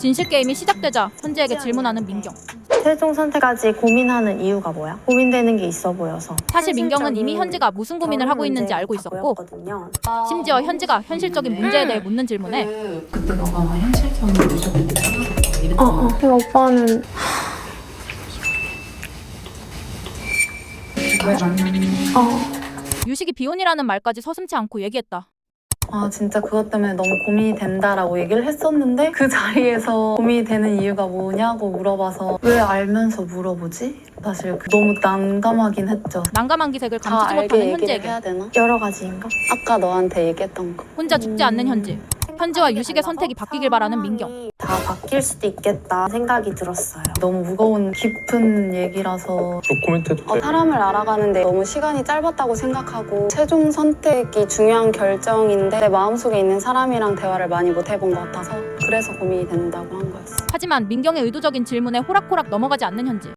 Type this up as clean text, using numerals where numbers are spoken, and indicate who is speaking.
Speaker 1: 진실 게임이 시작되자 현지에게 질문하는 민경.
Speaker 2: 최종 선택까지 고민하는 이유가 뭐야? 고민되는 게 있어 보여서.
Speaker 1: 사실 민경은 이미 현지가 무슨 고민을 하고 있는지 알고 있었고, 심지어 현지가 현실적인 문제에 대해 묻는 질문에
Speaker 3: 그때 너가 현실적인 무조건 이랬던
Speaker 2: 그 오빠는
Speaker 3: 왜 만나는
Speaker 1: 유식이 비혼이라는 말까지 서슴지 않고 얘기했다.
Speaker 2: 진짜 그것 때문에 너무 고민이 된다라고 얘기를 했었는데 그 자리에서 고민이 되는 이유가 뭐냐고 물어봐서 왜 알면서 물어보지? 사실 너무 난감하긴 했죠.
Speaker 1: 난감한 기색을
Speaker 2: 다
Speaker 1: 감추지
Speaker 2: 알게
Speaker 1: 못하는
Speaker 2: 얘기를
Speaker 1: 현지에게
Speaker 2: 해야 되나? 여러 가지인가? 아까 너한테 얘기했던 거.
Speaker 1: 혼자 죽지 않는 현지. 현지와 유식의 선택이 바뀌길 바라는 민경.
Speaker 2: 다 바뀔 수도 있겠다 생각이 들었어요. 너무 무거운 깊은 얘기라서
Speaker 4: 노코멘트도 돼.
Speaker 2: 사람을 알아가는데 너무 시간이 짧았다고 생각하고 최종 선택이 중요한 결정인데 내 마음속에 있는 사람이랑 대화를 많이 못 해본 것 같아서 그래서 고민이 된다고 한 거였어.
Speaker 1: 하지만 민경의 의도적인 질문에 호락호락 넘어가지 않는 현지.